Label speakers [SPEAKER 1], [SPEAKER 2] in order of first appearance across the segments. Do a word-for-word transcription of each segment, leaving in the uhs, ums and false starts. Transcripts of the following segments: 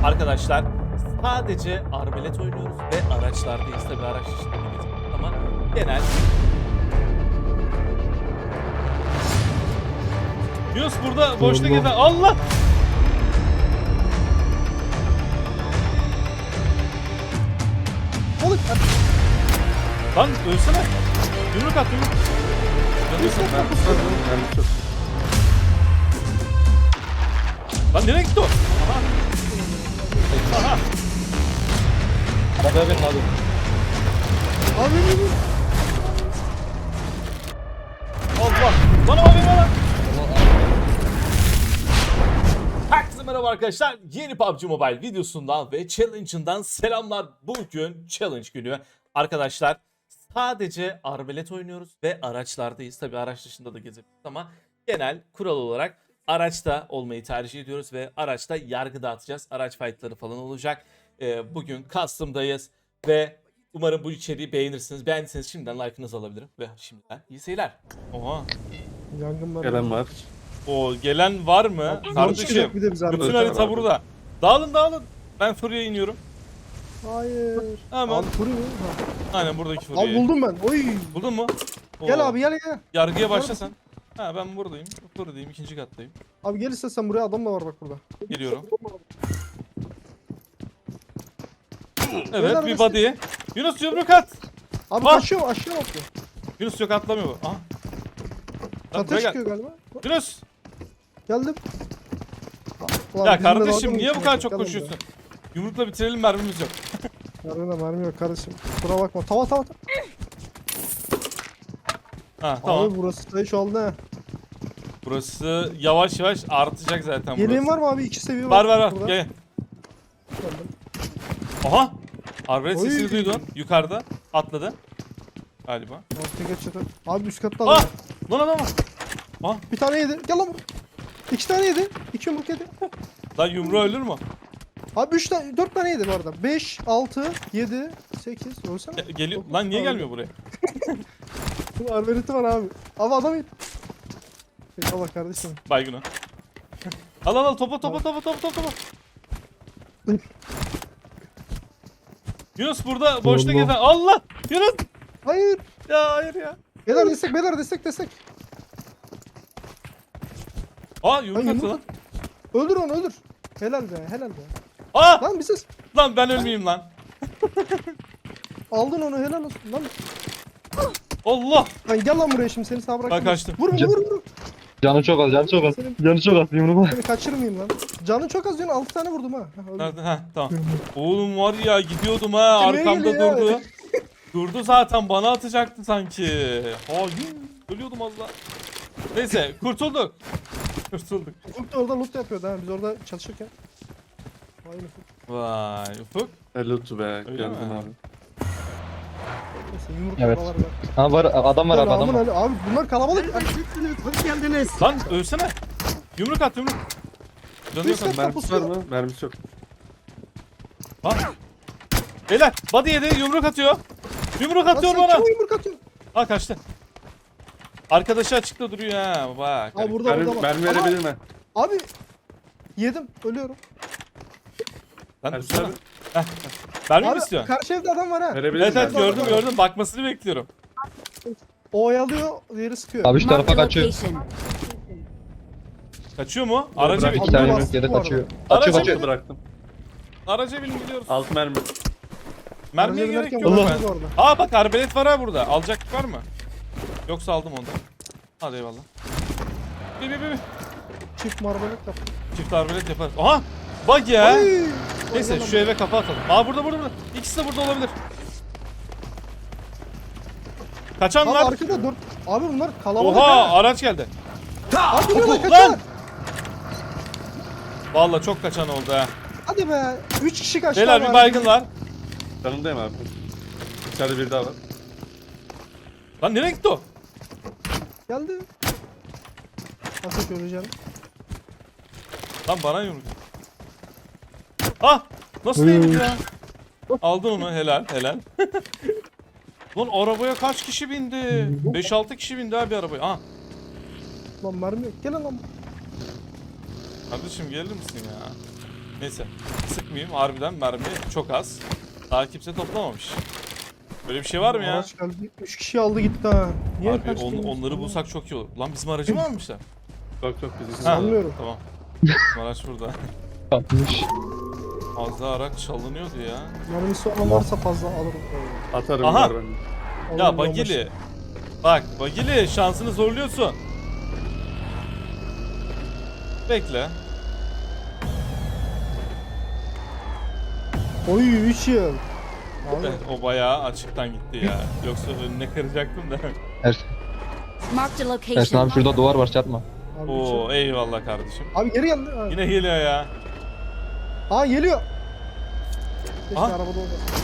[SPEAKER 1] Arkadaşlar sadece arbelet oynuyoruz ve araçlardayız. Tabii araç dışında değiliz ama genel. Yunus burada boşta gezen Allah!
[SPEAKER 2] Balık.
[SPEAKER 1] Lan ölsene. Yumruk at yumruk. Yanıyorsun. Lan nereye gitti o? Aha. Aha.
[SPEAKER 3] Arabaya bin abi.
[SPEAKER 2] Abi ne bu?
[SPEAKER 1] Allah. Lan abi lan. Herkese merhaba arkadaşlar. Yeni P U B G Mobile videosundan ve challenge'ından selamlar. Bugün challenge günü. Arkadaşlar sadece arbelet oynuyoruz ve araçlardayız. Tabi araç dışında da gezebiliriz ama genel kural olarak araçta olmayı tercih ediyoruz ve araçta yargı dağıtacağız. Araç fightları falan olacak. Ee, bugün custom'dayız ve umarım bu içeriği beğenirsiniz. Beğendiyseniz şimdiden like'ınızı alabilirim ve şimdiden iyi seyirler. Oha.
[SPEAKER 2] Yangın var.
[SPEAKER 3] Gelen var.
[SPEAKER 1] O gelen var mı?
[SPEAKER 2] Zor
[SPEAKER 1] Kardeşim.
[SPEAKER 2] çıkacak bir de biz
[SPEAKER 1] Bütün
[SPEAKER 2] arada.
[SPEAKER 1] harita burada. Dağılın dağılın. Ben Furya'ya iniyorum.
[SPEAKER 2] Hayır.
[SPEAKER 1] Hemen.
[SPEAKER 2] Abi fırı mı?
[SPEAKER 1] Aynen buradaki
[SPEAKER 2] Abi
[SPEAKER 1] Furya'yı.
[SPEAKER 2] buldum ben. Oy.
[SPEAKER 1] Buldun mu? Oo.
[SPEAKER 2] Gel abi gel gel.
[SPEAKER 1] Yargıya başla sen. Ha ben buradayım. Buradayım. ikinci kattayım.
[SPEAKER 2] Abi gel istersen buraya, adam da var bak burada.
[SPEAKER 1] Geliyorum. Evet
[SPEAKER 2] Beyler,
[SPEAKER 1] bir
[SPEAKER 2] nasıl-
[SPEAKER 1] body'ye. Yunus yumruk at.
[SPEAKER 2] Abi
[SPEAKER 1] Ah!
[SPEAKER 2] kaçıyor aşağı bakıyor.
[SPEAKER 1] Yunus yok atlamıyor bu. Aha. Lan
[SPEAKER 2] Çatıya
[SPEAKER 1] buraya gel.
[SPEAKER 2] çıkıyor galiba.
[SPEAKER 1] Yunus.
[SPEAKER 2] Geldim. Ulan
[SPEAKER 1] Ya
[SPEAKER 2] bizimle dalga
[SPEAKER 1] kardeşim
[SPEAKER 2] mı
[SPEAKER 1] niye bu
[SPEAKER 2] geçiyorsun?
[SPEAKER 1] kadar çok
[SPEAKER 2] Gel
[SPEAKER 1] koşuyorsun? Yumrukla bitirelim, mermimiz yok.
[SPEAKER 2] buraya. Mermi de mermi yok kardeşim. Kusura bakma. Tava tava tava.
[SPEAKER 1] Ha tamam.
[SPEAKER 2] Abi burası sayı şu aldı ha.
[SPEAKER 1] Burası yavaş yavaş artacak zaten
[SPEAKER 2] Yeleğin
[SPEAKER 1] burası.
[SPEAKER 2] var mı abi? İki seviye
[SPEAKER 1] Var
[SPEAKER 2] var.
[SPEAKER 1] var var.
[SPEAKER 2] burada.
[SPEAKER 1] Gel.
[SPEAKER 2] Geldim.
[SPEAKER 1] Aha. Arbelet
[SPEAKER 2] Oy.
[SPEAKER 1] sesini duydun. Yukarıda. Atladı. Galiba.
[SPEAKER 2] Ortaya geç çatı. Abi üst katta
[SPEAKER 1] Ah!
[SPEAKER 2] adam.
[SPEAKER 1] Lan adam var. Ah!
[SPEAKER 2] Bir tane yedi. Gel lan buraya. İki tane yedi. İki yumruk yedi.
[SPEAKER 1] Lan yumruğu ölür mü?
[SPEAKER 2] Abi üç tane, dört tane yedi bu arada. Beş, altı, yedi, sekiz. Ölsene.
[SPEAKER 1] Ge- Geliyor. Lan niye gelmiyor buraya?
[SPEAKER 2] Arbaleti var abi. Abi adam yedi. Allah kardeşim.
[SPEAKER 1] Baygın o. Al al al topa topa topa topa topa topa. Yunus burada boşta
[SPEAKER 3] Allah.
[SPEAKER 1] gezen. Allah! Yunus!
[SPEAKER 2] Hayır.
[SPEAKER 1] Ya hayır ya.
[SPEAKER 2] Beyler destek, beyler destek, destek.
[SPEAKER 1] Aa yumruk
[SPEAKER 2] Lan
[SPEAKER 1] attı
[SPEAKER 2] yumruk-
[SPEAKER 1] lan.
[SPEAKER 2] Öldür onu öldür. Helal be, helal be.
[SPEAKER 1] Aa!
[SPEAKER 2] Lan bir ses.
[SPEAKER 1] Lan ben ölmeyeyim lan.
[SPEAKER 2] Aldın onu, helal olsun. Lan,
[SPEAKER 1] Allah!
[SPEAKER 2] lan gel lan buraya şimdi, seni sağ bırakmayayım.
[SPEAKER 1] kaçtım.
[SPEAKER 2] Vur vur vur. vur.
[SPEAKER 3] Canı çok az, canı çok az.
[SPEAKER 2] Senin-
[SPEAKER 3] Canı çok az. Yumruğu.
[SPEAKER 2] Seni kaçırmayayım lan. Canın çok az diyorsun, altı tane vurdum ha. Ha, öldü.
[SPEAKER 1] Nerede? Ha tamam. Oğlum var ya gidiyordum ha,
[SPEAKER 2] Kime
[SPEAKER 1] arkamda
[SPEAKER 2] geliyor?
[SPEAKER 1] durdu. Durdu zaten, bana atacaktı sanki. Hayır. Ölüyordum az daha. Neyse kurtulduk. Kurtulduk.
[SPEAKER 2] Ufuk da orada loot yapıyordu ha, biz orada çalışırken. Vay Ufuk.
[SPEAKER 1] Vay Ufuk.
[SPEAKER 3] Helal be.
[SPEAKER 1] Öyle
[SPEAKER 3] Geldin
[SPEAKER 1] mi?
[SPEAKER 3] abi.
[SPEAKER 2] Neyse yumruk
[SPEAKER 3] Evet.
[SPEAKER 2] kafalar var.
[SPEAKER 3] Ha var, adam var abi, adam
[SPEAKER 2] Selamun
[SPEAKER 3] var.
[SPEAKER 2] aleyküm. Abi bunlar kalabalık. Ay,
[SPEAKER 4] Hoş geldiniz.
[SPEAKER 1] Lan ölsene. Yumruk at yumruk. Canı yok.
[SPEAKER 2] Üst kat
[SPEAKER 3] Mermisi var
[SPEAKER 2] kapısı.
[SPEAKER 3] mı? Mermisi yok.
[SPEAKER 1] Ha. Beyler body yedi, yumruk atıyor. Yumruk
[SPEAKER 2] Lan
[SPEAKER 1] atıyor
[SPEAKER 2] sen
[SPEAKER 1] bana.
[SPEAKER 2] kime yumruk atıyorsun?
[SPEAKER 1] Ha kaçtı. Arkadaşı açıkta duruyor ha bak.
[SPEAKER 2] Abi burada
[SPEAKER 3] Mermi,
[SPEAKER 2] burada bak.
[SPEAKER 3] mermi
[SPEAKER 2] Aha,
[SPEAKER 3] verebilir mi?
[SPEAKER 2] Abi yedim, ölüyorum.
[SPEAKER 1] Lan
[SPEAKER 3] Mermisi
[SPEAKER 1] dursana.
[SPEAKER 3] var mı?
[SPEAKER 1] Heh. Mermi mi
[SPEAKER 2] Abi
[SPEAKER 1] istiyorsun?
[SPEAKER 2] karşı evde adam var ha.
[SPEAKER 3] Verebilir
[SPEAKER 1] Evet
[SPEAKER 3] mi?
[SPEAKER 1] evet gördüm gördüm, bakmasını bekliyorum.
[SPEAKER 2] O oyalıyor, diğeri sıkıyor.
[SPEAKER 3] Abi şu tarafa kaçıyor.
[SPEAKER 4] Location.
[SPEAKER 1] Kaçıyor mu? Araca
[SPEAKER 3] Bırak,
[SPEAKER 1] bin.
[SPEAKER 3] iki tane
[SPEAKER 2] Abi
[SPEAKER 3] yumruk
[SPEAKER 2] bastı
[SPEAKER 3] yere
[SPEAKER 2] bu arada.
[SPEAKER 3] kaçıyor.
[SPEAKER 1] Aracı
[SPEAKER 3] Kaçıyor,
[SPEAKER 1] bin.
[SPEAKER 3] kaçıyor. Bıraktım.
[SPEAKER 1] Araca bin gidiyoruz.
[SPEAKER 3] Altı mermi.
[SPEAKER 1] Mermiye
[SPEAKER 2] Araca
[SPEAKER 1] gerek
[SPEAKER 2] binerken
[SPEAKER 1] yok.
[SPEAKER 2] vurdu
[SPEAKER 1] ben.
[SPEAKER 2] orada.
[SPEAKER 1] Aa bak arbelet var ha burada. Alacak var mı? Yoksa aldım ondan. Hadi eyvallah. Bir bir bir. bir.
[SPEAKER 2] Çift marbalık yaptı.
[SPEAKER 1] Çift arbelet yaparız. Aha! Bak ya.
[SPEAKER 2] Ay!
[SPEAKER 1] Neyse
[SPEAKER 2] Oynayalım.
[SPEAKER 1] şu eve kafa atalım. Aa burada burada burada. İkisi de burada olabilir. Kaçan
[SPEAKER 2] Abi
[SPEAKER 1] var.
[SPEAKER 2] arkada dört. Abi bunlar kalabalık
[SPEAKER 1] Oha
[SPEAKER 2] ha.
[SPEAKER 1] araç geldi.
[SPEAKER 2] Abi bunlar
[SPEAKER 1] Lan!
[SPEAKER 2] kaçıyorlar.
[SPEAKER 1] Vallahi çok kaçan oldu ha.
[SPEAKER 2] Hadi be. Üç kişi kaçtı.
[SPEAKER 1] Beyler
[SPEAKER 2] abi.
[SPEAKER 1] bir baygın var.
[SPEAKER 3] Yanındayım abi. İçeride biri daha var.
[SPEAKER 1] Lan nereye gitti o?
[SPEAKER 2] Geldi. Nasıl göreceğim?
[SPEAKER 1] Lan bana yumruk. Ah! Nasıl değilmiş ya? Aldın onu, helal helal. Lan arabaya kaç kişi bindi? beş altı kişi bindi abi arabaya. Ah!
[SPEAKER 2] Lan mermi yok. Gelin lan.
[SPEAKER 1] Kardeşim gelir misin ya? Neyse. Sıkmayayım. Harbiden mermi çok az. Daha kimse toplamamış. Böyle bir şey var mı ya?
[SPEAKER 2] Araç geldi. üç kişi aldı gitti ha. Niye
[SPEAKER 1] Harbi
[SPEAKER 2] kaçtı
[SPEAKER 1] on-
[SPEAKER 2] yine?
[SPEAKER 1] onları bulsak çok iyi olur. Lan bizim aracı mı almışlar?
[SPEAKER 3] Yok yok bizi
[SPEAKER 1] Ha,
[SPEAKER 2] Sanmıyorum.
[SPEAKER 1] Tamam. Bizim araç burada.
[SPEAKER 3] satmış.
[SPEAKER 1] Az daha araç çalınıyordu ya.
[SPEAKER 2] Mermisi olan varsa fazla alırım.
[SPEAKER 3] Atarım
[SPEAKER 1] Aha.
[SPEAKER 3] var bende.
[SPEAKER 2] Alırım
[SPEAKER 1] Ya
[SPEAKER 2] yolbaşı.
[SPEAKER 1] Bagili. Bak Bagili şansını zorluyorsun. Bekle.
[SPEAKER 2] Oy üç yıl. Abi.
[SPEAKER 1] Evet, o bayağı açıktan gitti ya. Yoksa önüne kıracaktım da.
[SPEAKER 3] Er,
[SPEAKER 4] Marked a
[SPEAKER 3] Ersin
[SPEAKER 4] location.
[SPEAKER 3] abi şurada duvar var çatma.
[SPEAKER 2] Abi, üç yıl.
[SPEAKER 1] Oo eyvallah kardeşim.
[SPEAKER 2] Abi geri geldi. Ha.
[SPEAKER 1] Yine geliyor ya.
[SPEAKER 2] Aa geliyor. Keşke
[SPEAKER 1] Aha.
[SPEAKER 2] arabada olmasın.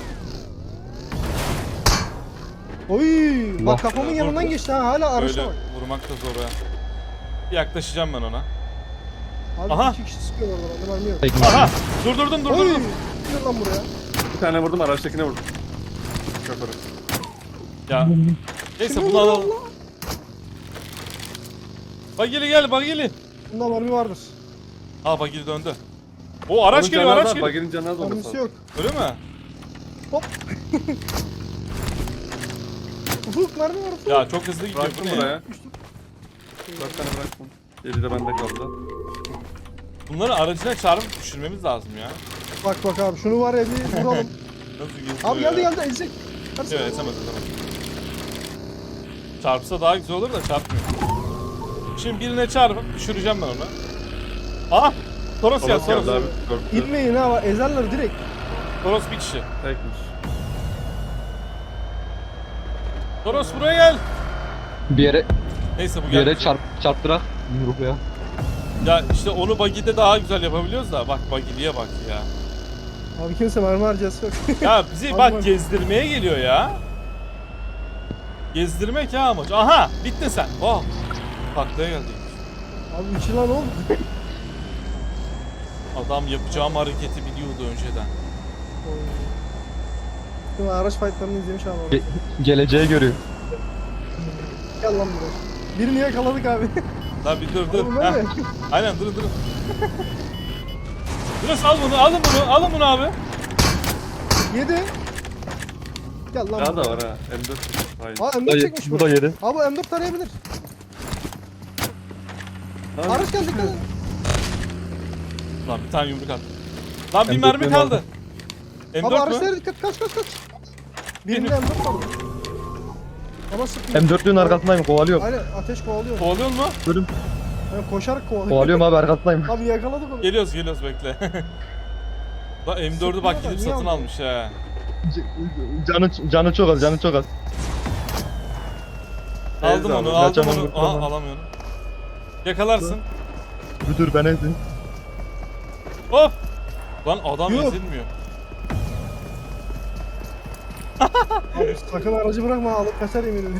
[SPEAKER 2] Oy
[SPEAKER 3] Allah.
[SPEAKER 2] bak kafamın
[SPEAKER 1] Ya,
[SPEAKER 2] yanından
[SPEAKER 1] vurdu.
[SPEAKER 2] geçti ha hala araçta
[SPEAKER 1] Böyle
[SPEAKER 2] bak.
[SPEAKER 1] vurmak da zor ya. Yaklaşacağım ben ona.
[SPEAKER 2] Abi
[SPEAKER 1] Aha.
[SPEAKER 2] iki kişi sıkıyor orada bende mermi yok.
[SPEAKER 3] Tekme.
[SPEAKER 1] Aha! Durdurdum
[SPEAKER 2] Oy
[SPEAKER 1] durdurdum.
[SPEAKER 2] gel lan buraya.
[SPEAKER 3] Bir tane vurdum araçtakine vurdum. Şoförü.
[SPEAKER 1] Ya. Neyse
[SPEAKER 2] Kimi
[SPEAKER 1] bunu
[SPEAKER 2] vurdu
[SPEAKER 1] alalım.
[SPEAKER 2] Allah?
[SPEAKER 1] Bagili gel Bagili.
[SPEAKER 2] Bunda mermi vardır.
[SPEAKER 1] Ha Bagili döndü. O araç
[SPEAKER 3] Onun
[SPEAKER 1] geliyor
[SPEAKER 3] canı
[SPEAKER 1] araç
[SPEAKER 3] az,
[SPEAKER 1] geliyor.
[SPEAKER 3] Baginin canı az olması
[SPEAKER 2] Mermisi
[SPEAKER 3] lazım.
[SPEAKER 2] yok.
[SPEAKER 1] Öyle mi?
[SPEAKER 2] Ufuk mermi var ufuk.
[SPEAKER 1] Ya çok hızlı gidiyor bu
[SPEAKER 3] Bıraktım
[SPEAKER 1] ne ya?
[SPEAKER 3] buraya. Dört tane bıraktım. Yedi de bende kaldı.
[SPEAKER 1] Bunları aracına çarpıp düşürmemiz lazım ya.
[SPEAKER 2] Bak bak abi şunu var ya bir vuralım.
[SPEAKER 1] Nasıl geziyor
[SPEAKER 2] Abi geldi
[SPEAKER 1] ya?
[SPEAKER 2] geldi ezecek. Hadi sen.
[SPEAKER 1] Evet esemez esemez. Çarpsa daha güzel olur da çarpmıyor. Şimdi birine çarpıp düşüreceğim ben onu. Aha! Toros ya
[SPEAKER 3] Toros geldi
[SPEAKER 1] Toros.
[SPEAKER 3] abi. Korktu.
[SPEAKER 2] İnmeyin ha bak ezerler direkt.
[SPEAKER 1] Toros bir kişi.
[SPEAKER 3] Tekmiş.
[SPEAKER 1] Toros buraya gel.
[SPEAKER 3] Bir yere
[SPEAKER 1] Neyse bu
[SPEAKER 3] bir yere
[SPEAKER 1] geldi.
[SPEAKER 3] çarp çarptırak. Yumruk ya.
[SPEAKER 1] Ya işte onu Bagi'de daha güzel yapabiliyoruz da bak Bagi'liye bak ya.
[SPEAKER 2] Abi kimse mermi harcası yok.
[SPEAKER 1] Ya bizi
[SPEAKER 2] Abi
[SPEAKER 1] bak
[SPEAKER 2] bak.
[SPEAKER 1] gezdirmeye geliyor ya. Gezdirmek ya amaç. Aha bittin sen. Oh. Taklaya geldi.
[SPEAKER 2] Abi üç yıl lan oldu.
[SPEAKER 1] Adam yapacağım hareketi biliyordu önceden.
[SPEAKER 2] Değil mi? Araç fightlarını izlemiş abi.
[SPEAKER 3] Ge- geleceği görüyor.
[SPEAKER 2] Gel lan buraya. Birini yakaladık abi.
[SPEAKER 1] Lan bir dur dur.
[SPEAKER 2] Oğlum
[SPEAKER 1] Heh.
[SPEAKER 2] öyle.
[SPEAKER 1] Aynen durun durun. Yunus al bunu alın bunu alın bunu abi.
[SPEAKER 2] Yedi. Gel lan
[SPEAKER 3] Daha da
[SPEAKER 2] buraya.
[SPEAKER 3] var ha. M dört. Hayır.
[SPEAKER 2] Aa M dört çekmiş bu.
[SPEAKER 3] Bu da yedi.
[SPEAKER 2] Abi M dört tarayabilir.
[SPEAKER 3] Lan,
[SPEAKER 2] Araç geldi gel.
[SPEAKER 1] Lan bir tane yumruk at. Lan bir
[SPEAKER 3] M dört
[SPEAKER 1] mermi
[SPEAKER 3] benim
[SPEAKER 1] kaldı.
[SPEAKER 3] aldım.
[SPEAKER 1] M
[SPEAKER 2] Abi
[SPEAKER 1] dört
[SPEAKER 2] araçlara
[SPEAKER 1] mü?
[SPEAKER 2] dikkat kaç kaç kaç. Birinde M dört vardı. Ama sıkmıyor.
[SPEAKER 3] M dörtlüğün arkasındayım kovalıyorum.
[SPEAKER 2] Aynen ateş kovalıyor.
[SPEAKER 1] Kovalıyor mu?
[SPEAKER 3] Bölüm.
[SPEAKER 2] Yani koşarak kovalıyor.
[SPEAKER 3] Kovalıyorum abi arkasındayım.
[SPEAKER 2] Abi yakaladık onu.
[SPEAKER 1] Geliyoruz geliyoruz bekle. Lan M dördü bak
[SPEAKER 2] Sıkmıyor da,
[SPEAKER 1] gidip
[SPEAKER 2] niye
[SPEAKER 1] satın
[SPEAKER 2] aldın?
[SPEAKER 1] almış ha.
[SPEAKER 3] Canı canı çok az, canı çok az.
[SPEAKER 1] Aldım
[SPEAKER 3] Teyze
[SPEAKER 1] onu
[SPEAKER 3] abi,
[SPEAKER 1] aldım
[SPEAKER 3] kaçamam,
[SPEAKER 1] onu. Aha
[SPEAKER 3] kurtulamam.
[SPEAKER 1] alamıyorum. Yakalarsın.
[SPEAKER 3] Bir dur ben ezdim.
[SPEAKER 1] Hop. Lan adam
[SPEAKER 2] Yuh.
[SPEAKER 1] ezilmiyor.
[SPEAKER 2] Abi sakın aracı bırakma alıp kaçar eminim.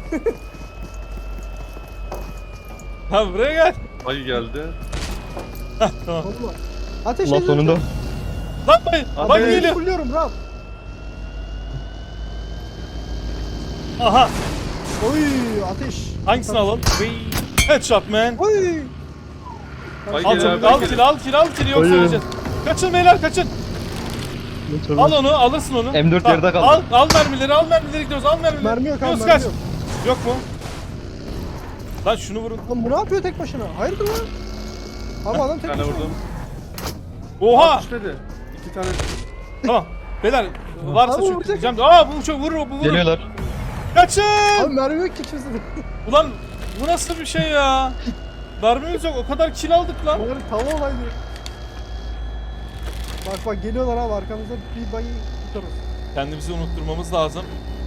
[SPEAKER 1] Ha buraya gel.
[SPEAKER 3] Ay geldi.
[SPEAKER 1] Tamam.
[SPEAKER 2] Olma. Ateş
[SPEAKER 3] Allah
[SPEAKER 2] edin.
[SPEAKER 3] sonunda.
[SPEAKER 1] Lan bay.
[SPEAKER 3] Abi,
[SPEAKER 1] Bak
[SPEAKER 3] evet.
[SPEAKER 1] geliyor.
[SPEAKER 2] Fulluyorum rahat.
[SPEAKER 1] Aha.
[SPEAKER 2] Oy ateş.
[SPEAKER 1] Hangisini alalım? Headshot man.
[SPEAKER 2] Oy.
[SPEAKER 3] Ay
[SPEAKER 1] Al
[SPEAKER 3] gel
[SPEAKER 1] çabuk
[SPEAKER 3] abi.
[SPEAKER 1] al
[SPEAKER 3] gel.
[SPEAKER 1] kill al kill al kill yoksa
[SPEAKER 3] Hayır.
[SPEAKER 1] öleceğiz. Kaçın beyler kaçın. Al onu alırsın onu.
[SPEAKER 3] M dört
[SPEAKER 1] Tamam,
[SPEAKER 3] yerde kaldı.
[SPEAKER 1] Al, al mermileri al mermileri gidiyoruz al mermileri.
[SPEAKER 2] Mermi yok abi
[SPEAKER 1] Yunus
[SPEAKER 2] mermi
[SPEAKER 1] kaç.
[SPEAKER 2] yok.
[SPEAKER 1] Yok mu? Lan şunu vurun.
[SPEAKER 2] Lan bu ne yapıyor tek başına? Hayırdır lan? Abi adam
[SPEAKER 3] Bir
[SPEAKER 2] tek
[SPEAKER 3] tane
[SPEAKER 2] başına.
[SPEAKER 3] vurdum.
[SPEAKER 1] Oha.
[SPEAKER 3] Düşmedi. İki tane.
[SPEAKER 1] Tamam. Beyler varsa
[SPEAKER 2] Abi
[SPEAKER 1] çok
[SPEAKER 2] vuracak.
[SPEAKER 1] diyeceğim. Aa bu çok vurur bu vurur.
[SPEAKER 3] Geliyorlar.
[SPEAKER 1] Kaçın.
[SPEAKER 2] Abi mermi yok ki kimse de.
[SPEAKER 1] Ulan bu nasıl bir şey ya? Mermimiz yok o kadar kill aldık lan.
[SPEAKER 2] Bunları tava olaydı. Bak bak geliyorlar abi arkamızda bir bayı tutarız.
[SPEAKER 1] Kendimizi unutturmamız lazım.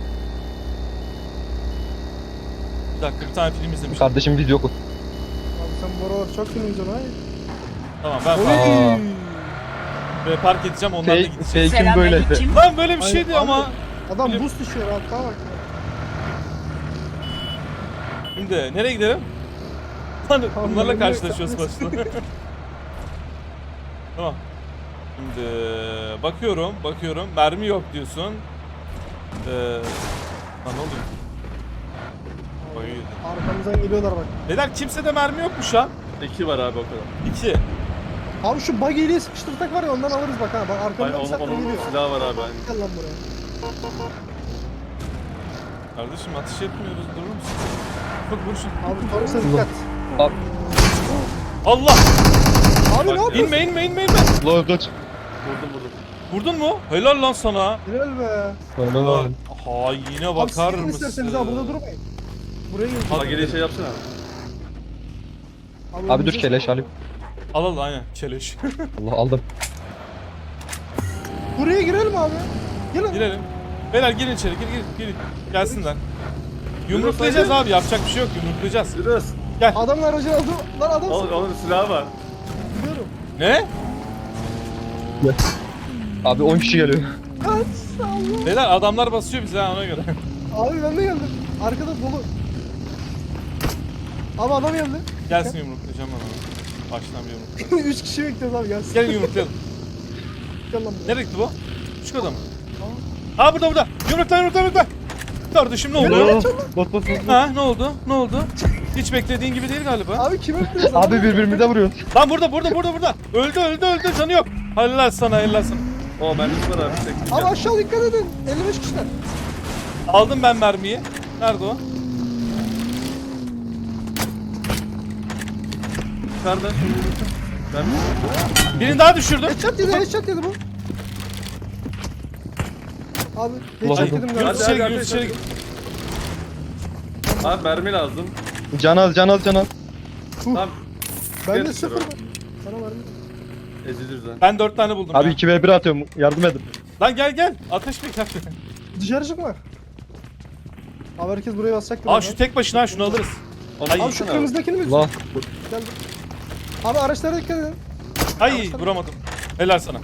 [SPEAKER 1] Bir dakika bir tane film izlemiştim.
[SPEAKER 3] Kardeşim video okut.
[SPEAKER 2] Abi sen bu aralar çok film izliyorsun hayır.
[SPEAKER 1] Tamam ben
[SPEAKER 2] Oy.
[SPEAKER 1] park, ve park edeceğim onlar da
[SPEAKER 3] Fake,
[SPEAKER 1] gidecek.
[SPEAKER 3] fake'im böyle.
[SPEAKER 4] Selamünaleyküm.
[SPEAKER 1] Lan böyle bir
[SPEAKER 2] Aynen,
[SPEAKER 1] şeydi
[SPEAKER 2] abi.
[SPEAKER 1] ama.
[SPEAKER 2] Adam
[SPEAKER 1] Film-
[SPEAKER 2] boost düşüyor hatta bak.
[SPEAKER 1] Şimdi nereye gidelim? Lan
[SPEAKER 2] Tamam,
[SPEAKER 1] bunlarla
[SPEAKER 2] ben de-
[SPEAKER 1] karşılaşıyoruz başta. Tamam. Şimdi bakıyorum, bakıyorum. Mermi yok diyorsun. Ee, lan ne oluyor? Oy.
[SPEAKER 2] Arkamızdan geliyorlar bak.
[SPEAKER 1] Beyler kimsede mermi yokmuş ha.
[SPEAKER 3] İki var abi o kadar.
[SPEAKER 1] İki.
[SPEAKER 2] Abi şu buggy'liği sıkıştırsak var ya ondan alırız bak ha. Bak
[SPEAKER 3] Aynen
[SPEAKER 2] arkamdan bir
[SPEAKER 3] onun,
[SPEAKER 2] saattir
[SPEAKER 3] onun
[SPEAKER 2] geliyor.
[SPEAKER 3] silahı var abi. Aynen.
[SPEAKER 2] Gel lan buraya.
[SPEAKER 1] Kardeşim ateş etmiyoruz, durur musun? Bak vur şunu.
[SPEAKER 2] Abi Toros'a dikkat.
[SPEAKER 5] Abi.
[SPEAKER 1] Allah!
[SPEAKER 2] Abi ne
[SPEAKER 3] Bak,
[SPEAKER 2] yapıyorsun?
[SPEAKER 1] İnme inme inme inme.
[SPEAKER 5] Lan kaç.
[SPEAKER 3] Vurdum vurdum.
[SPEAKER 1] Vurdun mu? Helal lan sana.
[SPEAKER 2] Helal be.
[SPEAKER 5] Lan.
[SPEAKER 1] Haine
[SPEAKER 2] Abi
[SPEAKER 1] bakar
[SPEAKER 2] sıkın
[SPEAKER 1] mısın?
[SPEAKER 2] isterseniz abi burada durmayın. Buraya gelin.
[SPEAKER 3] Bak geriye şey yapsana.
[SPEAKER 5] Abi dur
[SPEAKER 2] önümüze
[SPEAKER 5] keleş
[SPEAKER 2] sıkın.
[SPEAKER 5] alayım.
[SPEAKER 1] Al al aynen keleş.
[SPEAKER 5] Allah aldım.
[SPEAKER 2] Buraya girelim abi. Gelin.
[SPEAKER 1] Girelim. Beyler girin içeri gir gir gir. Gelsinler. Yumruklayacağız abi yapacak bir şey yok yumruklayacağız.
[SPEAKER 3] Yürüyoruz.
[SPEAKER 2] Adamın aracını aldı. Lan adam
[SPEAKER 3] Onun,
[SPEAKER 2] sıkıyor.
[SPEAKER 3] onun silahı var.
[SPEAKER 2] Gidiyorum.
[SPEAKER 1] Ne?
[SPEAKER 5] Abi on kişi geliyor.
[SPEAKER 2] Kaç. Allah.
[SPEAKER 1] Beyler adamlar basıyor bize ha ona göre.
[SPEAKER 2] Abi ben de geldim. Arkada dolu. Abi adam geldi.
[SPEAKER 1] Gelsin yumruklayacağım ben onu. Baştan bir yumrukla.
[SPEAKER 2] Üç kişi bekliyoruz abi gelsin.
[SPEAKER 1] Gelin yumruklayalım.
[SPEAKER 2] Gel lan buraya.
[SPEAKER 1] Nereye gitti bu? Küçük adam. Aa burada burada. Yumrukla yumrukla yumrukla. Kardeşim ne oldu?
[SPEAKER 5] Bas bas bas.
[SPEAKER 1] Ha ne oldu? Ne oldu? Hiç beklediğin gibi değil galiba.
[SPEAKER 2] Abi kime bekliyoruz?
[SPEAKER 5] Abi birbirimize vuruyoruz.
[SPEAKER 1] Lan burada burada burada burada. Öldü öldü öldü canı yok. Helal sana helal sana.
[SPEAKER 3] O mermisi var abi. Tek
[SPEAKER 2] Abi aşağı dikkat edin. elli beş kişiler.
[SPEAKER 1] Aldım ben mermiyi. Nerede o?
[SPEAKER 3] Yukarıda. Ben
[SPEAKER 1] Birini daha düşürdüm.
[SPEAKER 2] Headshot yedi, headshot yedi bu. Abi
[SPEAKER 5] Ulan
[SPEAKER 2] headshot
[SPEAKER 5] hadi.
[SPEAKER 2] yedim
[SPEAKER 1] Yunus
[SPEAKER 2] galiba.
[SPEAKER 3] Hadi,
[SPEAKER 1] içeri gir
[SPEAKER 3] hadi,
[SPEAKER 1] Yunus
[SPEAKER 3] hadi.
[SPEAKER 1] içeri gir.
[SPEAKER 3] Abi mermi lazım.
[SPEAKER 5] Can az can az can az.
[SPEAKER 3] Tamam.
[SPEAKER 2] Ben de
[SPEAKER 3] Gel
[SPEAKER 2] sıfır.
[SPEAKER 3] dışarı.
[SPEAKER 2] Sana verdim.
[SPEAKER 3] Eziliriz ha.
[SPEAKER 1] Ben dört tane buldum
[SPEAKER 5] Abi
[SPEAKER 1] ya.
[SPEAKER 5] iki ve bir atıyorum. Yardım edin.
[SPEAKER 1] Lan gel gel. Ateş bir kaç.
[SPEAKER 2] Dışarı çıkma. Abi herkes buraya basacak.
[SPEAKER 1] Aa şu tek başına şunu alırız.
[SPEAKER 3] Onu
[SPEAKER 1] Ay,
[SPEAKER 2] Abi şu
[SPEAKER 3] alsana
[SPEAKER 2] kırmızıdakini mi?
[SPEAKER 5] Allah.
[SPEAKER 2] Geldi. Abi araçlara dikkat edin.
[SPEAKER 1] Ay vuramadım. Helal sana.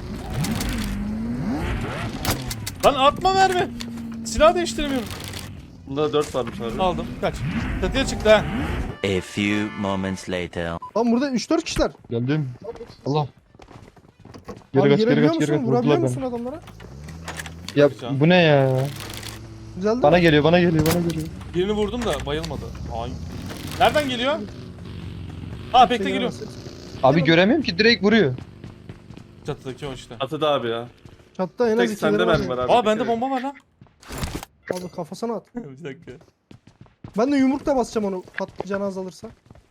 [SPEAKER 1] Lan atma mermi. Silah değiştiremiyorum.
[SPEAKER 3] Bunda da dört varmış abi.
[SPEAKER 1] Aldım. Kaç. Çatıya çıktı ha.
[SPEAKER 6] A few moments later.
[SPEAKER 2] Lan burada üç dört kişiler.
[SPEAKER 5] Geldim. Allah.
[SPEAKER 2] Abi
[SPEAKER 5] Geri kaç geri
[SPEAKER 2] girebiliyor
[SPEAKER 5] kaç geri kaç.
[SPEAKER 2] musun? Vurabiliyor
[SPEAKER 5] Vurdular
[SPEAKER 2] musun
[SPEAKER 5] beni.
[SPEAKER 2] adamlara?
[SPEAKER 5] Ya
[SPEAKER 1] Can.
[SPEAKER 5] bu ne ya?
[SPEAKER 2] Güzel değil
[SPEAKER 5] Bana
[SPEAKER 2] mi?
[SPEAKER 5] geliyor bana geliyor bana geliyor.
[SPEAKER 1] Birini vurdum da bayılmadı. Ay. Nereden geliyor? Aa bekle
[SPEAKER 2] Şey
[SPEAKER 1] geliyor.
[SPEAKER 2] göremezsin.
[SPEAKER 5] Abi göremiyorum ki direkt vuruyor.
[SPEAKER 1] Çatıdaki o işte.
[SPEAKER 3] Atıda abi ya.
[SPEAKER 2] Çatta en az
[SPEAKER 3] Tek
[SPEAKER 2] iki
[SPEAKER 3] sende
[SPEAKER 2] yeri
[SPEAKER 3] mermi var
[SPEAKER 2] var.
[SPEAKER 3] abi.
[SPEAKER 1] Aa bende bomba var lan.
[SPEAKER 2] Abi kafasına at.
[SPEAKER 1] Bir dakika.
[SPEAKER 2] Ben de yumrukla basacağım onu. Patlıcanı azalırsa.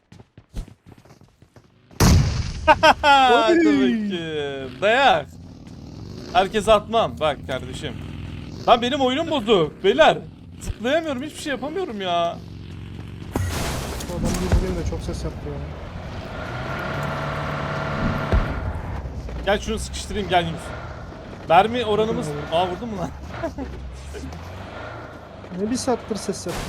[SPEAKER 1] Hadi bakayım. Dayak. Herkese atmam. Bak kardeşim. Lan benim oyunum bozuk. Beyler. Zıplayamıyorum. Hiçbir şey yapamıyorum ya.
[SPEAKER 2] Bu adam bir vurayım da çok ses yaptı ya.
[SPEAKER 1] Gel şunu sıkıştırayım gel Yunus. Mermi oranımız... Aa vurdun mu lan?
[SPEAKER 2] Ne bir saattir ses yaptı.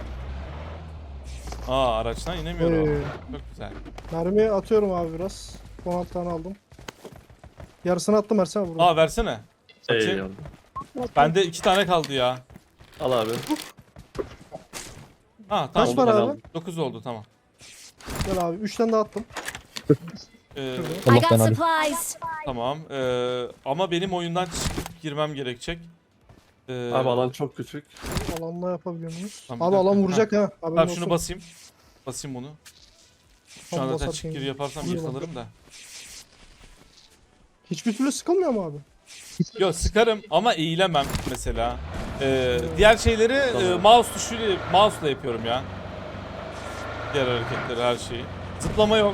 [SPEAKER 1] Aa araçtan inemiyor o.
[SPEAKER 2] Ee,
[SPEAKER 1] Çok güzel.
[SPEAKER 2] mermi atıyorum abi biraz. on altı tane aldım. Yarısını attım Ersen burada.
[SPEAKER 1] Aa versene. Bakayım.
[SPEAKER 3] Eyvallah.
[SPEAKER 1] Bende iki tane kaldı ya.
[SPEAKER 3] Al abi.
[SPEAKER 1] Ha
[SPEAKER 2] Kaç
[SPEAKER 1] tamam.
[SPEAKER 2] var
[SPEAKER 3] ben
[SPEAKER 2] abi?
[SPEAKER 3] aldım.
[SPEAKER 1] dokuz oldu tamam.
[SPEAKER 2] Gel abi. üç tane daha attım.
[SPEAKER 1] Ee,
[SPEAKER 4] I
[SPEAKER 5] Allah
[SPEAKER 4] got
[SPEAKER 5] ben alayım.
[SPEAKER 4] supplies.
[SPEAKER 1] tamam. Ee, ama benim oyundan çıkıp girmem gerekecek. Ee,
[SPEAKER 3] Abi alan çok küçük.
[SPEAKER 2] Alanla yapabiliyor muyuz?
[SPEAKER 1] Tamam,
[SPEAKER 2] Abi
[SPEAKER 1] bir
[SPEAKER 2] alan
[SPEAKER 1] dakika.
[SPEAKER 2] vuracak ha. Haberin
[SPEAKER 1] Tamam şunu
[SPEAKER 2] olsun.
[SPEAKER 1] basayım. Basayım bunu. Şu
[SPEAKER 2] Tamam,
[SPEAKER 1] anda zaten
[SPEAKER 2] basarken
[SPEAKER 1] çık gir
[SPEAKER 2] iyi.
[SPEAKER 1] yaparsam
[SPEAKER 2] Buyur
[SPEAKER 1] yırtılırım da.
[SPEAKER 2] Hiçbir türlü sıkılmıyor mu abi?
[SPEAKER 1] Yok sıkarım ama eğilemem mesela. Ee, diğer şeyleri e,
[SPEAKER 3] Tamam.
[SPEAKER 1] mouse tuşuyla mouse'la yapıyorum ya. Diğer hareketleri her şeyi. Zıplama yok.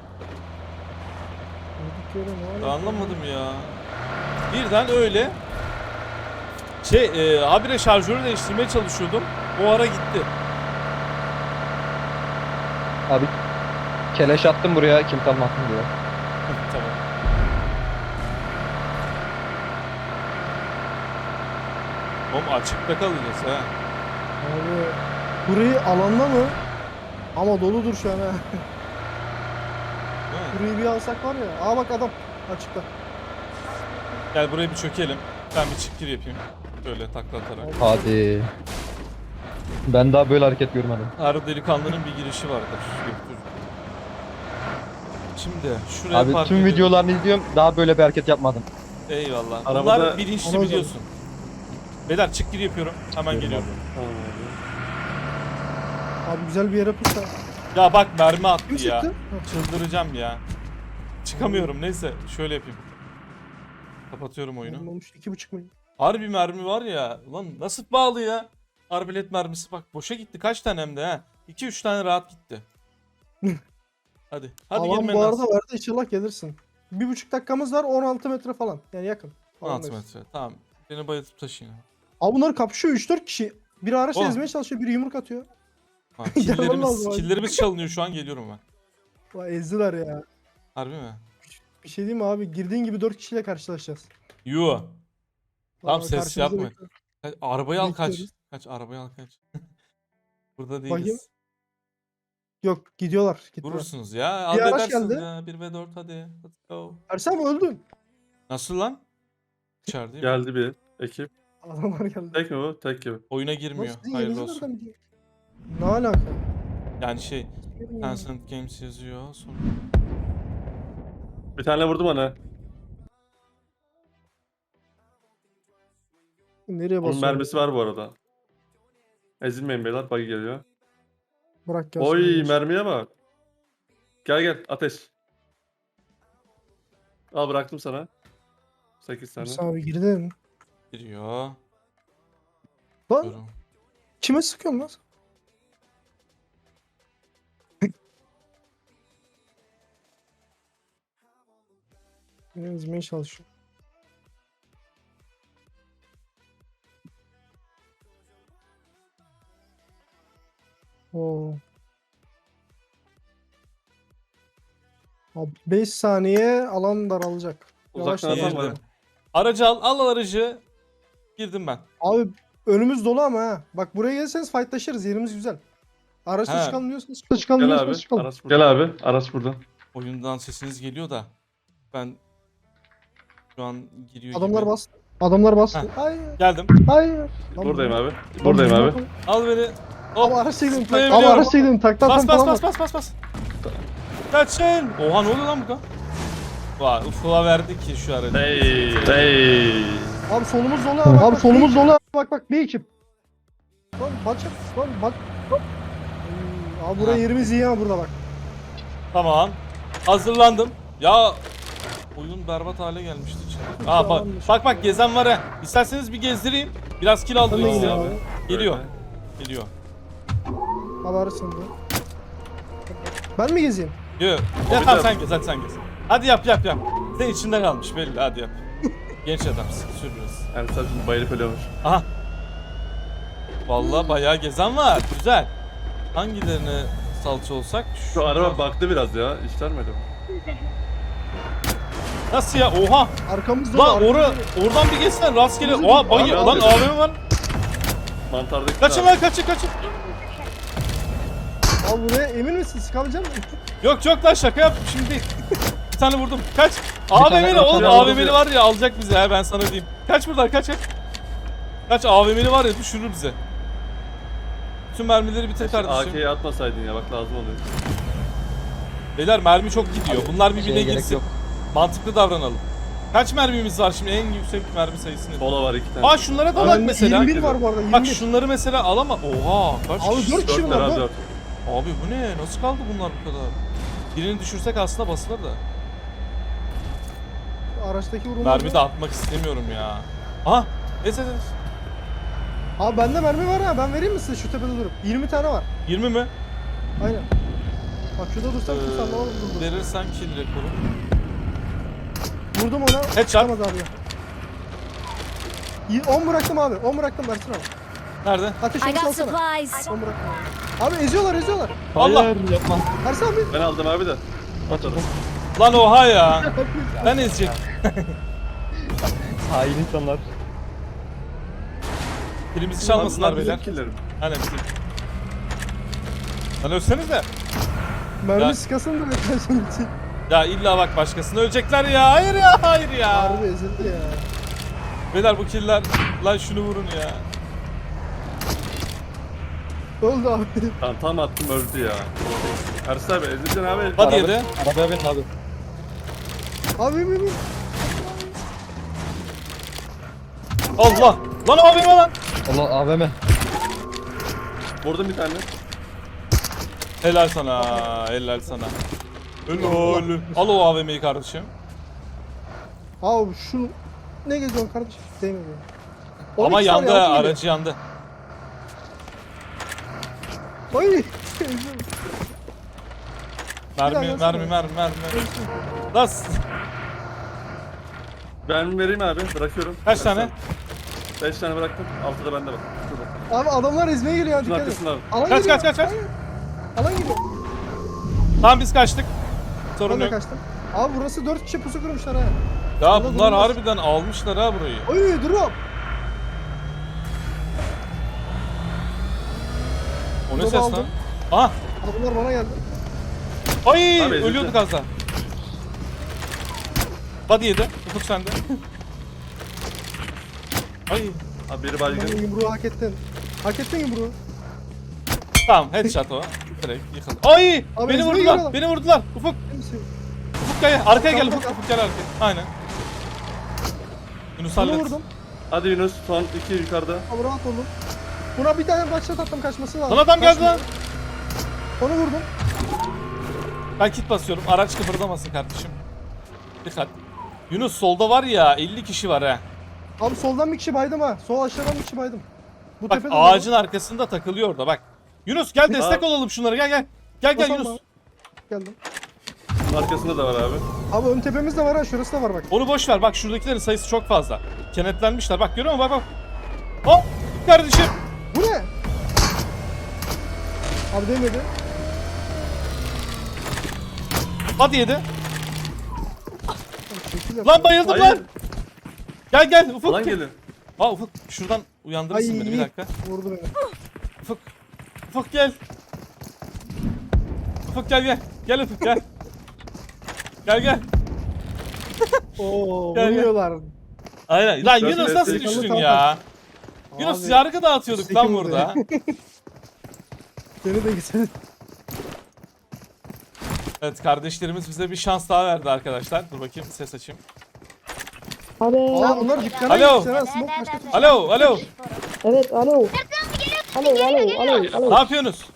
[SPEAKER 2] Vurduk yere ne
[SPEAKER 1] Ben
[SPEAKER 2] var?
[SPEAKER 1] anlamadım ya. Birden öyle. Şey, e, habire şarjörü değiştirmeye çalışıyordum. O ara gitti.
[SPEAKER 5] Abi keleş attım buraya kim kalmasın diye.
[SPEAKER 1] Tamam. Oğlum açıkta kalacağız ha.
[SPEAKER 2] Abi burayı alanda mı? Ama doludur şu an ha.
[SPEAKER 1] Değil mi?
[SPEAKER 2] Burayı bir alsak var ya. Aa bak adam açıkta.
[SPEAKER 1] Gel buraya bir çökelim. Ben bir çık gir yapayım. Böyle takla atarak.
[SPEAKER 5] Hadi. Ben daha böyle hareket görmedim.
[SPEAKER 1] Her delikanlının bir girişi vardır. Yoktur. Şimdi şuraya
[SPEAKER 5] Abi
[SPEAKER 1] park
[SPEAKER 5] tüm
[SPEAKER 1] edelim.
[SPEAKER 5] videolarını izliyorum daha böyle bir hareket yapmadım.
[SPEAKER 1] Eyvallah.
[SPEAKER 3] Arabada-
[SPEAKER 1] Bunlar bilinçli
[SPEAKER 2] Anladım.
[SPEAKER 1] biliyorsun. Beyler çık gir yapıyorum. Hemen geliyorum.
[SPEAKER 3] Tamam abi.
[SPEAKER 2] Abi güzel bir yere pırsa.
[SPEAKER 1] Ya bak mermi attı
[SPEAKER 2] Kim
[SPEAKER 1] ya.
[SPEAKER 2] sıktı?
[SPEAKER 1] Çıldıracağım ya. çıkamıyorum. Neyse şöyle yapayım. Kapatıyorum oyunu.
[SPEAKER 2] Olmuş iki buçuk milyon.
[SPEAKER 1] Harbi mermi var ya. Ulan nasıl bağlı ya? Arbelet mermisi bak boşa gitti. Kaç tane hem de ha? iki üç tane rahat gitti. Hadi. Hadi
[SPEAKER 2] Alan
[SPEAKER 1] gelin
[SPEAKER 2] bu arada
[SPEAKER 1] Mennas.
[SPEAKER 2] verdi, inşallah gelirsin. Bir buçuk dakikamız var, on altı metre falan. Yani yakın.
[SPEAKER 1] on altı
[SPEAKER 2] Alandayız.
[SPEAKER 1] metre. Tamam. Beni bayıltıp taşıyın.
[SPEAKER 2] Abi bunlar kapışıyor üç dört kişi. Biri araç
[SPEAKER 1] Oh.
[SPEAKER 2] ezmeye çalışıyor, biri yumruk atıyor.
[SPEAKER 1] Ha,
[SPEAKER 2] Gelmem
[SPEAKER 1] killerimiz,
[SPEAKER 2] lazım abi.
[SPEAKER 1] killerimiz çalınıyor şu an geliyorum ben.
[SPEAKER 2] Vay ezdiler ya.
[SPEAKER 1] Harbi mi?
[SPEAKER 2] Bir şey diyeyim mi abi? Girdiğin gibi dört kişiyle karşılaşacağız.
[SPEAKER 1] Yo. Tamam,
[SPEAKER 2] Aa,
[SPEAKER 1] ses
[SPEAKER 2] karşımıza
[SPEAKER 1] yapma.
[SPEAKER 2] bekliyor.
[SPEAKER 1] Kaç- Arabayı al kaç.
[SPEAKER 2] Bekliyoruz.
[SPEAKER 1] Kaç arabayı al kaç. Burada
[SPEAKER 2] Bakayım.
[SPEAKER 1] değiliz.
[SPEAKER 2] Yok gidiyorlar. Gittiler.
[SPEAKER 1] Vurursunuz ya.
[SPEAKER 2] Bir araç
[SPEAKER 1] Halledersiniz
[SPEAKER 2] geldi.
[SPEAKER 1] ya. bir ve dört hadi. Let's go.
[SPEAKER 2] Ersin abi öldün.
[SPEAKER 1] Nasıl lan? İçerideyim.
[SPEAKER 3] Geldi bir ekip.
[SPEAKER 2] Adamlar geldi.
[SPEAKER 3] Tek mi bu? Tek gibi.
[SPEAKER 1] Oyuna girmiyor.
[SPEAKER 2] Nasıl,
[SPEAKER 1] Hayırlı
[SPEAKER 2] yerinizi
[SPEAKER 1] olsun.
[SPEAKER 2] nereden biliyor? Ne alaka?
[SPEAKER 1] Yani şey. Tencent Games yazıyor. Sonra...
[SPEAKER 3] Bir tane vurdum ona.
[SPEAKER 2] Nereye
[SPEAKER 3] Onun
[SPEAKER 2] basıyor?
[SPEAKER 3] mermisi var bu arada. Ezilmeyin beyler. Buggy geliyor.
[SPEAKER 2] Bırak gelsin.
[SPEAKER 3] Oy
[SPEAKER 2] kardeşim.
[SPEAKER 3] mermiye bak. Gel gel ateş. Al bıraktım sana. sekiz tane.
[SPEAKER 2] Ersin abi girdin.
[SPEAKER 1] Giriyor.
[SPEAKER 2] Lan
[SPEAKER 1] Diyorum.
[SPEAKER 2] kime sıkıyorsun lan? Beni ezmeye çalışıyor. Oo. Abi beş saniye alan daralacak.
[SPEAKER 3] Uzaktan
[SPEAKER 2] Yavaş
[SPEAKER 3] atan
[SPEAKER 2] yavaş.
[SPEAKER 3] var.
[SPEAKER 1] Girdim. Aracı al. Al aracı. Girdim ben.
[SPEAKER 2] Abi önümüz dolu ama ha. Bak buraya gelirseniz fightlaşırız. Yerimiz güzel. Araçla
[SPEAKER 1] He.
[SPEAKER 2] çıkalım diyorsanız çıkalım
[SPEAKER 3] Gel
[SPEAKER 2] diyorsanız
[SPEAKER 3] abi.
[SPEAKER 2] çıkalım.
[SPEAKER 3] Araç burada. Gel abi. Araç burada.
[SPEAKER 1] Oyundan sesiniz geliyor da. Ben şu an giriyor
[SPEAKER 2] Adamlar
[SPEAKER 1] gibi.
[SPEAKER 2] bastı. Adamlar bastı.
[SPEAKER 1] Heh.
[SPEAKER 2] Hayır.
[SPEAKER 1] Geldim.
[SPEAKER 2] Hayır. Lan
[SPEAKER 3] Buradayım
[SPEAKER 2] bu-
[SPEAKER 3] abi.
[SPEAKER 2] Lan
[SPEAKER 3] Buradayım
[SPEAKER 2] bu-
[SPEAKER 3] abi.
[SPEAKER 1] Al beni.
[SPEAKER 2] Abi
[SPEAKER 1] Hop.
[SPEAKER 2] araç çektim. Abi
[SPEAKER 1] Zıplayabiliyorum.
[SPEAKER 2] araç çektim. Taktan
[SPEAKER 1] Bas
[SPEAKER 2] falan
[SPEAKER 1] bas
[SPEAKER 2] var.
[SPEAKER 1] bas bas bas bas. Kaçın. Oha ne oluyor lan bu kadar? Vay ufula verdik ki şu aracı.
[SPEAKER 3] Hey. Hey.
[SPEAKER 2] Abi solumuz dolu abi. Abi solumuz dolu. Bak bak bir ekip. Lan bak lan bak. bak. Hmm, Abi buraya
[SPEAKER 1] Ha.
[SPEAKER 2] yerimiz iyi ha burada bak.
[SPEAKER 1] Tamam. Hazırlandım. Ya oyun berbat hale gelmişti içeri. Aa bak bak bak gezen var ha. İsterseniz bir gezdireyim. Biraz kill
[SPEAKER 2] Ben de
[SPEAKER 1] aldırayım size.
[SPEAKER 2] geliyorum abi.
[SPEAKER 1] Geliyor. Geliyor.
[SPEAKER 2] Abi araç sende. Ben mi gezeyim?
[SPEAKER 1] Yok. Ya
[SPEAKER 3] bir
[SPEAKER 1] tamam
[SPEAKER 3] de-
[SPEAKER 1] sen gez hadi sen gez. Hadi yap yap yap. Sen içinde kalmış belli hadi yap. Genç adamsın sür biraz.
[SPEAKER 3] Yani sen şimdi bayılıp ölüyormuş.
[SPEAKER 1] Aha. Vallahi bayağı gezen var. Güzel. Hangilerine salça olsak?
[SPEAKER 3] Şu araba baktı biraz ya. İşler mi acaba?
[SPEAKER 1] Nasıl ya? Oha.
[SPEAKER 2] Arkamız dolu.
[SPEAKER 1] Lan
[SPEAKER 2] arkamız
[SPEAKER 1] oru,
[SPEAKER 2] dolu.
[SPEAKER 1] oradan bir geçsen rastgele.
[SPEAKER 2] Abi,
[SPEAKER 1] Oha bayı.
[SPEAKER 3] abi,
[SPEAKER 1] Lan
[SPEAKER 3] abi.
[SPEAKER 1] A V M var.
[SPEAKER 3] Mantardaki
[SPEAKER 1] Kaçın lan kaçın kaçın.
[SPEAKER 2] Abi buraya emin misin? Sıkabilecek misin?
[SPEAKER 1] Yok yok lan şaka yaptım şimdi değil. Bir tane vurdum. Kaç.
[SPEAKER 5] tane-
[SPEAKER 1] A V M'li
[SPEAKER 5] bir
[SPEAKER 1] oğlum
[SPEAKER 3] tane
[SPEAKER 1] A V
[SPEAKER 3] vurdum
[SPEAKER 1] M'li
[SPEAKER 3] ya.
[SPEAKER 1] var ya alacak bizi ha ben sana diyeyim. Kaç buradan kaç kaç. Kaç A V M'li var ya düşürür bize. Bütün mermileri bitir
[SPEAKER 3] A
[SPEAKER 1] kardeşim.
[SPEAKER 3] K'yi atmasaydın ya bak lazım oluyor.
[SPEAKER 1] Beyler mermi çok gidiyor. Bunlar birbirine
[SPEAKER 5] şeye gerek
[SPEAKER 1] girsin.
[SPEAKER 5] yok.
[SPEAKER 1] Mantıklı davranalım. Kaç mermimiz var şimdi en yüksek mermi sayısı nedir?
[SPEAKER 3] Sola var iki tane.
[SPEAKER 1] Aa şunlara dalak
[SPEAKER 2] Abi
[SPEAKER 1] mesela.
[SPEAKER 2] yirmi bir var bu arada. yirmi bir.
[SPEAKER 1] Bak şunları mesela alama. Oha kaç
[SPEAKER 2] Abi
[SPEAKER 1] kişi?
[SPEAKER 2] dört kişi
[SPEAKER 3] Dört
[SPEAKER 2] var.
[SPEAKER 3] var abi
[SPEAKER 2] dört.
[SPEAKER 3] dört.
[SPEAKER 1] Abi bu ne? Nasıl kaldı bunlar bu kadar? Birini düşürsek aslında basılır da.
[SPEAKER 2] Araçtaki vurulma.
[SPEAKER 1] Mermi de atmak istemiyorum ya. Aha! Es es es.
[SPEAKER 2] Abi bende mermi var ha. Ben vereyim mi size şu tepede durup? yirmi tane var.
[SPEAKER 1] yirmi mi?
[SPEAKER 2] Aynen. Bak şurada dursam kimse anlamaz
[SPEAKER 1] Ee,
[SPEAKER 2] durdur.
[SPEAKER 1] verirsen kill rekoru.
[SPEAKER 2] Vurdum ona.
[SPEAKER 1] Headshot.
[SPEAKER 2] Çıkamaz abi. Y- on bıraktım abi. on bıraktım Ersin abi.
[SPEAKER 1] Nerede?
[SPEAKER 2] Ateş
[SPEAKER 4] I
[SPEAKER 2] onu
[SPEAKER 4] got
[SPEAKER 2] salsana.
[SPEAKER 4] supplies.
[SPEAKER 2] on bıraktım abi. Abi eziyorlar eziyorlar.
[SPEAKER 1] Allah!
[SPEAKER 5] yapma.
[SPEAKER 2] Ersin abi.
[SPEAKER 3] Ben aldım abi de. Atarım.
[SPEAKER 1] Lan oha ya! Ben ezecek.
[SPEAKER 5] Hain insanlar.
[SPEAKER 1] Kilimizi çalmasınlar
[SPEAKER 3] Bunlar
[SPEAKER 1] beyler.
[SPEAKER 3] bizim killerim.
[SPEAKER 1] Aynen bizim. Lan ölseniz de.
[SPEAKER 2] Mermi
[SPEAKER 1] Ya-
[SPEAKER 2] sıkasın da bekler şimdi için.
[SPEAKER 1] Ya illa bak başkasını ölecekler ya. Hayır ya, hayır ya.
[SPEAKER 2] Harbi ezildi ya.
[SPEAKER 1] Beyler bu killer. Lan şunu vurun ya.
[SPEAKER 2] Oldu abi.
[SPEAKER 3] Tamam tam attım öldü ya. Ersin abi ezileceksin abi.
[SPEAKER 1] Hadi yedi.
[SPEAKER 5] Arabaya bin abi.
[SPEAKER 2] Abi emin miyim?
[SPEAKER 1] Allah! Lan abime lan!
[SPEAKER 5] Allah A V M.
[SPEAKER 3] Vurdum bir tane.
[SPEAKER 1] Helal sana, helal sana. Helal. Al o A V M'yi kardeşim.
[SPEAKER 2] Abi şunu ne geziyorsun kardeşim? Değmiyor.
[SPEAKER 1] Ama yandı ha, aracı yandı.
[SPEAKER 2] Ay.
[SPEAKER 1] Mermi,
[SPEAKER 2] Bir daha
[SPEAKER 1] mermi,
[SPEAKER 2] yansın.
[SPEAKER 1] mermi, mermi. Nasıl?
[SPEAKER 3] Ben vereyim abi. Bırakıyorum.
[SPEAKER 1] Kaç tane?
[SPEAKER 3] beş tane bıraktım. altıda bende bak. Şurada.
[SPEAKER 2] Abi adamlar ezmeye geliyor.
[SPEAKER 3] Şunun
[SPEAKER 2] Dikkat et.
[SPEAKER 3] arkasında abi.
[SPEAKER 2] Alan
[SPEAKER 1] Kaç,
[SPEAKER 2] geliyor.
[SPEAKER 1] kaç, kaç, kaç?
[SPEAKER 2] Hayır. Alan geliyor.
[SPEAKER 1] Tamam biz kaçtık. Sorun
[SPEAKER 2] Ben de
[SPEAKER 1] yok.
[SPEAKER 2] kaçtım. Abi burası dört kişi pusu kurmuşlar ha.
[SPEAKER 1] Ya
[SPEAKER 2] Burada
[SPEAKER 1] bunlar
[SPEAKER 2] durmaz.
[SPEAKER 1] harbiden almışlar ha burayı.
[SPEAKER 2] Oy drop.
[SPEAKER 1] O ne
[SPEAKER 2] Drop
[SPEAKER 1] ses
[SPEAKER 2] aldım.
[SPEAKER 1] lan? Aha.
[SPEAKER 2] Abi bunlar bana geldi.
[SPEAKER 1] Ay
[SPEAKER 3] Abi, ezildi.
[SPEAKER 1] ölüyorduk az daha. Body yedi. Ufuk sende. Ay.
[SPEAKER 3] Abi biri
[SPEAKER 2] Ben
[SPEAKER 3] baygın.
[SPEAKER 2] yumruğu hak ettin. Hak ettin yumruğu.
[SPEAKER 1] Tamam headshot o. Direkt yıkıldı. Ay!
[SPEAKER 2] Abi
[SPEAKER 1] Beni
[SPEAKER 2] ezmeye
[SPEAKER 1] vurdular.
[SPEAKER 2] geliyorlar.
[SPEAKER 1] Beni vurdular. Ufuk.
[SPEAKER 2] Kimsin?
[SPEAKER 1] Ufuk gel. Arkaya gel
[SPEAKER 2] Tamam,
[SPEAKER 1] Ufuk.
[SPEAKER 2] tamam.
[SPEAKER 1] Ufuk gel arkaya. Aynen. Yunus
[SPEAKER 2] Bunu
[SPEAKER 1] hallet.
[SPEAKER 2] vurdum.
[SPEAKER 3] Hadi Yunus. Son iki yukarıda.
[SPEAKER 2] Abi rahat olun. Buna bir tane başlat attım kaçması lazım.
[SPEAKER 1] Lan adam geldi
[SPEAKER 2] Kaçmıyor.
[SPEAKER 1] lan.
[SPEAKER 2] Onu vurdum.
[SPEAKER 1] Ben kit basıyorum. Araç kıpırdamasın kardeşim. Dikkat. Yunus solda var ya elli kişi var ha.
[SPEAKER 2] Abi soldan bir kişi baydım ha. Sol aşağıdan bir kişi baydım. Bu
[SPEAKER 1] Bak
[SPEAKER 2] tepede
[SPEAKER 1] ağacın arkasında takılıyor orada bak. Yunus gel destek
[SPEAKER 3] Abi.
[SPEAKER 1] olalım şunlara gel gel. Gel gel
[SPEAKER 2] Basalım
[SPEAKER 1] Yunus.
[SPEAKER 2] abi. Geldim.
[SPEAKER 3] Şunun arkasında da var abi.
[SPEAKER 2] Abi ön tepemizde var ha. Şurası da var bak.
[SPEAKER 1] Onu boş ver bak şuradakilerin sayısı çok fazla. Kenetlenmişler bak görüyor musun bak bak. Hop kardeşim.
[SPEAKER 2] Bu ne? Abi değmedi.
[SPEAKER 1] Hadi yedi.
[SPEAKER 2] Abi şekil yap.
[SPEAKER 1] Lan bayıldım
[SPEAKER 3] Hayır.
[SPEAKER 1] lan. Gel gel Ufuk.
[SPEAKER 3] Lan gelin.
[SPEAKER 1] Aa Ufuk şuradan uyandırırsın
[SPEAKER 2] Ay.
[SPEAKER 1] beni bir dakika.
[SPEAKER 2] Vurdu beni.
[SPEAKER 1] Ufuk. Ufuk gel. Ufuk gel gel. Gel Ufuk gel. Gel gel.
[SPEAKER 2] Oo
[SPEAKER 1] Gel, gel.
[SPEAKER 2] vuruyorlar.
[SPEAKER 1] Aynen. Lan
[SPEAKER 3] Dört
[SPEAKER 1] Yunus
[SPEAKER 3] metre
[SPEAKER 1] nasıl
[SPEAKER 3] yukarı
[SPEAKER 1] düştün
[SPEAKER 2] kaldı.
[SPEAKER 1] ya? Yunus
[SPEAKER 2] Abi,
[SPEAKER 1] yargı dağıtıyorduk lan
[SPEAKER 2] sekim
[SPEAKER 1] burada.
[SPEAKER 2] Seni de gitsin.
[SPEAKER 1] Evet kardeşlerimiz bize bir şans daha verdi arkadaşlar. Dur bakayım ses açayım.
[SPEAKER 2] Aa bunlar dükkana
[SPEAKER 1] Alo.
[SPEAKER 2] gitmişler ha. Smoke başka türlü.
[SPEAKER 1] Alo alo.
[SPEAKER 7] Evet, alo. Alo, alo, alo,
[SPEAKER 1] Ne
[SPEAKER 7] alo.
[SPEAKER 1] yapıyorsunuz?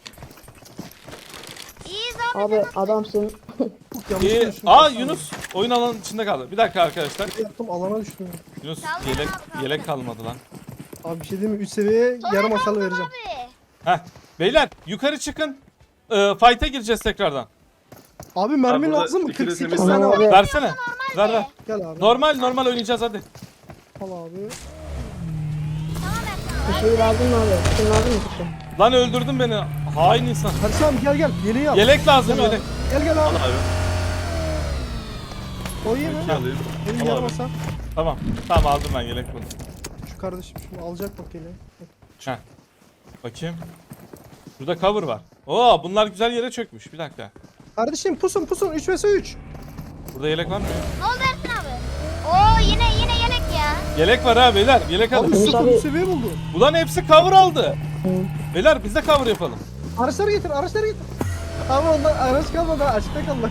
[SPEAKER 4] İyiyiz abi.
[SPEAKER 7] Abi adamsın.
[SPEAKER 2] Yanlış
[SPEAKER 1] İyi.
[SPEAKER 2] konuştum.
[SPEAKER 1] Aa Yunus oyun alanının içinde kaldı. Bir dakika arkadaşlar.
[SPEAKER 2] Yaptım alana düştüm.
[SPEAKER 1] Yunus
[SPEAKER 4] Kaldı
[SPEAKER 1] yelek
[SPEAKER 4] abi, kaldı.
[SPEAKER 1] yelek kalmadı lan.
[SPEAKER 2] Abi bir şey diyeyim mi? üç seviyeye yarım hasarlı vereceğim.
[SPEAKER 4] Abi.
[SPEAKER 1] Heh. Beyler yukarı çıkın. Ee, fight'a gireceğiz tekrardan.
[SPEAKER 2] Abi mermi
[SPEAKER 3] Abi burada
[SPEAKER 2] lazım mı?
[SPEAKER 3] ikili
[SPEAKER 2] kırk sekiz
[SPEAKER 3] temiz-
[SPEAKER 2] tane var.
[SPEAKER 7] Abi.
[SPEAKER 1] Versene. Ver ver.
[SPEAKER 2] Gel abi.
[SPEAKER 1] Normal normal oynayacağız hadi.
[SPEAKER 2] Al abi.
[SPEAKER 7] Bir şey lazım mı abi? Bir şey lazım mı kuşum?
[SPEAKER 1] Lan öldürdün beni. Hain insan.
[SPEAKER 2] Hadi abi gel gel. Yeleği al.
[SPEAKER 1] Yelek lazım
[SPEAKER 2] Gel abi.
[SPEAKER 1] yelek.
[SPEAKER 2] Gel gel
[SPEAKER 3] Al
[SPEAKER 2] abi.
[SPEAKER 3] abi.
[SPEAKER 2] O iyi mi?
[SPEAKER 3] İki alayım.
[SPEAKER 2] Benim
[SPEAKER 3] Al
[SPEAKER 2] yarım
[SPEAKER 3] abi.
[SPEAKER 2] hasar.
[SPEAKER 1] Tamam. Tamam aldım ben yelek buldum.
[SPEAKER 2] Şu kardeşim şunu alacak bak yeleği.
[SPEAKER 1] Heh. Bakayım. Burada cover var. Oo bunlar güzel yere çökmüş. Bir dakika.
[SPEAKER 2] Kardeşim pusun pusun. üç vs üç.
[SPEAKER 1] Burada yelek var mı ya?
[SPEAKER 4] Ne oldu Ersin abi? Oo yine yine yelek ya.
[SPEAKER 1] Yelek var ha beyler. Yelek
[SPEAKER 2] Abi
[SPEAKER 1] alın.
[SPEAKER 7] Yunus
[SPEAKER 2] sıfır
[SPEAKER 7] abi-
[SPEAKER 2] üç seviye buldu.
[SPEAKER 1] Ulan hepsi cover aldı. Beyler biz de cover yapalım.
[SPEAKER 2] Araçları getir araçları getir. Abi onlar araç kalmadı ha, açıkta kaldı.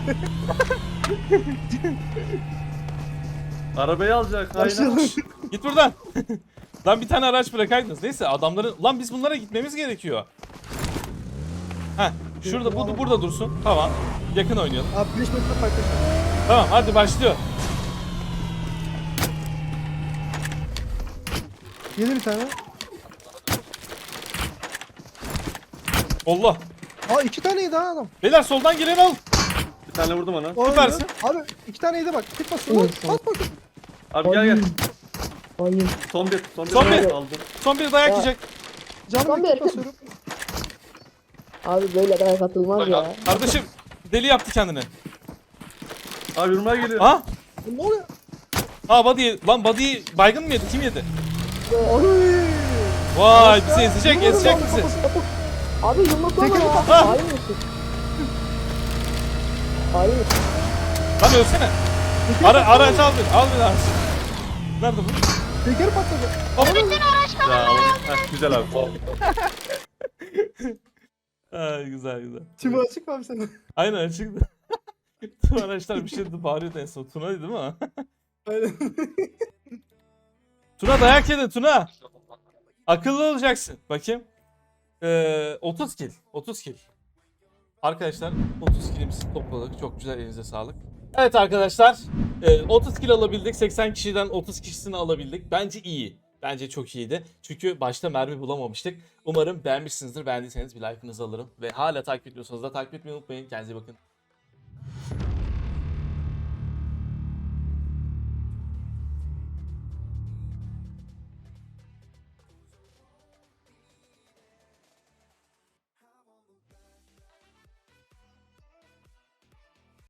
[SPEAKER 3] Arabayı alacak. Aynen.
[SPEAKER 2] Başlayalım.
[SPEAKER 1] Git buradan. Lan bir tane araç bırakaydınız. Neyse adamların... Lan biz bunlara gitmemiz gerekiyor. Heh. Şurada bu, burada dursun. Tamam. Yakın oynayalım.
[SPEAKER 2] Abi beş metre fark ettim.
[SPEAKER 1] Tamam hadi başlıyor.
[SPEAKER 2] Yedi bir tane.
[SPEAKER 1] Allah.
[SPEAKER 2] Aa iki taneydi ha adam.
[SPEAKER 1] Beyler soldan geleni al.
[SPEAKER 3] Bir tane vurdum ona.
[SPEAKER 2] O
[SPEAKER 1] Süpersin.
[SPEAKER 2] öldü. Abi iki taneydi bak. Tek basıyor lan.
[SPEAKER 7] Evet,
[SPEAKER 2] Bas bakayım.
[SPEAKER 3] Abi gel gel.
[SPEAKER 7] Oyun.
[SPEAKER 3] Son bir. Son bir.
[SPEAKER 1] Son bir.
[SPEAKER 3] Aldım.
[SPEAKER 1] Son bir dayak
[SPEAKER 7] Ya.
[SPEAKER 1] yiyecek.
[SPEAKER 2] Canım
[SPEAKER 7] Tamam,
[SPEAKER 2] tek
[SPEAKER 7] bir.
[SPEAKER 2] basıyorum.
[SPEAKER 7] Abi böyle kadar katılmaz ya.
[SPEAKER 1] Kardeşim deli yaptı kendini.
[SPEAKER 3] Abi yürümeye geliyor.
[SPEAKER 1] Ha?
[SPEAKER 2] Ne oluyor?
[SPEAKER 1] Ha body. Lan body baygın mı yedi? Kim yedi?
[SPEAKER 2] Ay.
[SPEAKER 1] Vay bizi ezecek
[SPEAKER 2] Vurmadım
[SPEAKER 1] ezecek
[SPEAKER 2] abi,
[SPEAKER 1] bizi.
[SPEAKER 2] kafası kapı.
[SPEAKER 7] Abi yumruk olma
[SPEAKER 2] Tekrar
[SPEAKER 7] ya.
[SPEAKER 2] bak.
[SPEAKER 1] Ha.
[SPEAKER 7] Hain misin? Hain misin?
[SPEAKER 1] Lan ölsene.
[SPEAKER 2] Tekeri
[SPEAKER 1] Ara,
[SPEAKER 2] patladı.
[SPEAKER 1] araç al beni. Al beni araç. Nerede bu?
[SPEAKER 2] Tekeri patladı.
[SPEAKER 3] Ya, aldım. Heh, güzel abi.
[SPEAKER 1] Ha, güzel güzel.
[SPEAKER 2] Tümü açık mı abi senin?
[SPEAKER 1] Aynen çıktı. Tüm araçlar bir şeydi bağırıyordu en son. Tuna'ydı değil mi?
[SPEAKER 2] Aynen.
[SPEAKER 1] Tuna dayak yedin Tuna. Akıllı olacaksın. Bakayım. Ee, otuz kill. otuz kill. Arkadaşlar otuz kilimizi topladık. Çok güzel, elinize sağlık. Evet arkadaşlar e, otuz kilo alabildik. seksen kişiden otuz kişisini alabildik. Bence iyi. Bence çok iyiydi. Çünkü başta mermi bulamamıştık. Umarım beğenmişsinizdir. Beğendiyseniz bir like'ınızı alırım. Ve hala takip ediyorsanız da takip etmeyi unutmayın. Kendinize iyi bakın.